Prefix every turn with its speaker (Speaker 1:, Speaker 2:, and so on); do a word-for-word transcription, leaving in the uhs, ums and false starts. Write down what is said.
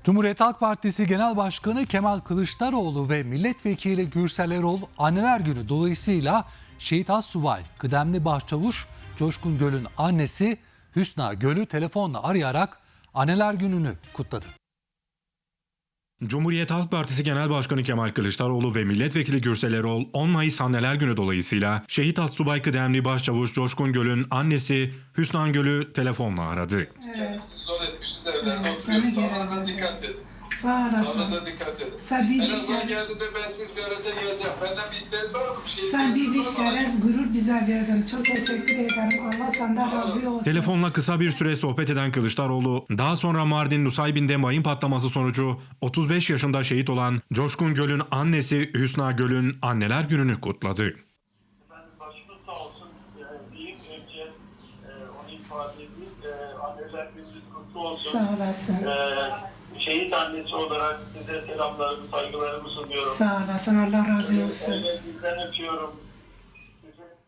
Speaker 1: Cumhuriyet Halk Partisi Genel Başkanı Kemal Kılıçdaroğlu ve Milletvekili Gürsel Erol Anneler Günü dolayısıyla Şehit Astsubay Kıdemli Başçavuş Coşkun Göl'ün annesi Hüsna Göl'ü telefonla arayarak Anneler Günü'nü kutladı.
Speaker 2: Cumhuriyet Halk Partisi Genel Başkanı Kemal Kılıçdaroğlu ve Milletvekili Gürsel Erol on Mayıs Anneler Günü dolayısıyla Şehit Astsubay Kıdemli Başçavuş Coşkun Göl'ün annesi Hüsna Göl'ü telefonla aradı.
Speaker 3: Evet. Zor etmişiz, evlerde evet, oturuyoruz. Sağlığınıza dikkat edin.
Speaker 4: Sağ olasın.
Speaker 3: Sağlığınıza dikkat edin.
Speaker 4: Sen bir
Speaker 3: en azından
Speaker 4: şeref,
Speaker 3: geldiğinde ben sizi ziyarete geleceğim. Benden bir isteğiniz var mı? Bir şey
Speaker 4: sen bir, bir
Speaker 3: ihtiyacınız var mı?
Speaker 4: şeref, gurur bize verdin. Çok teşekkür ederim. Allah senden razı olsun.
Speaker 2: Telefonla kısa bir süre sohbet eden Kılıçdaroğlu, daha sonra Mardin Nusaybin'de mayın patlaması sonucu otuz beş yaşında şehit olan Coşkun Göl'ün annesi Hüsna Göl'ün Anneler Günü'nü kutladı.
Speaker 5: Efendim başımız sağ olsun e, diyeyim önce e, onu ifade edeyim. E, anneler gününüz kutlu olsun.
Speaker 4: Sağ olasın.
Speaker 5: E, şehit annesi olarak size selamlarımı, saygılarımı sunuyorum.
Speaker 4: Sağ olasın. Allah razı olsun.
Speaker 5: E, sizden öpüyorum. Sizin